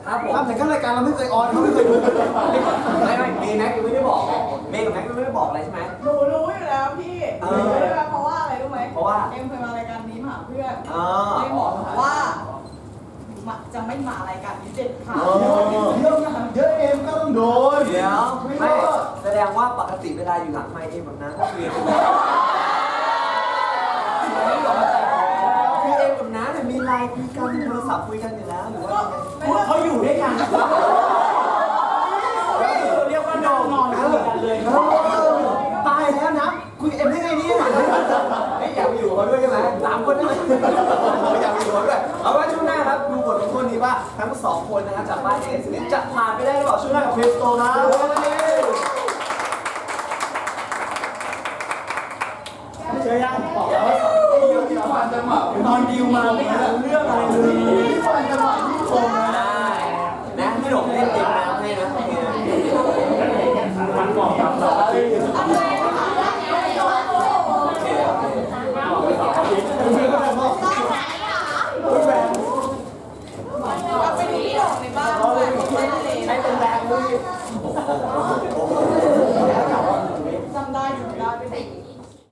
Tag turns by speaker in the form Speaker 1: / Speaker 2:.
Speaker 1: ครับผม
Speaker 2: ทำแต่ก็รายการเราไม่เคยออนเขาไม่เคยดู
Speaker 1: ไม่เมย์แม็กยังไม่ได้บอกเมย์กับแม็กยังไม่ได้บอกอะไรใช่ไหม
Speaker 3: หนูรู้อยู่แล้วพี่เพราะว่าอะไรรู้ไหม
Speaker 1: เพราะว่า
Speaker 3: เอ็มเคยมารายการนี้มาหาเพื่อน
Speaker 1: อ๋อ
Speaker 3: เอ็มบอกว่าจะไม่มารายการนี้เด็ดขาด
Speaker 2: เยอะเอ็มก็ต้องโดน
Speaker 1: เดี๋ยวไม่แสดงว่าปกติเวลาอยู่หลังไมค์เองแบบนั้นก็คือคือเองกับน้าเนี่ยมีไลน์คุยกันโทรศัพท์คุยกันอยู่แล้วหรือว่าเขาอยู่ด้วยกันเรียกว่านอนคุยกันเลยตายแล้วนะคุยเอ็มได้ไงเนี่ยไม่อยากไปอยู่เขาด้วยใช่ไหม3 คนได้ไหมอยากไปอยู่เขาด้วยเอาไว้ช่วงหน้าครับดูบทลงโทษนี้ว่าทั้ง2 คนนะครับจากบ้านเอสจะผ่านไปได้หรือเปล่าช่วงหน้ากับคริสโตนะเจอยังบอกแล้วที่ฟันจังหวะตอนดิวมาไม่รู้เรื่องอะไรเลยที่ฟันจังหวะที่ชมได้นะพี่หลงเล่นเองนะให้นะโอเคนะมันบอกกับเราโอเค
Speaker 3: ไปดูพี่โด่งในบ้านด้วย
Speaker 1: ใช้เป็นแรงเลยโอ้โห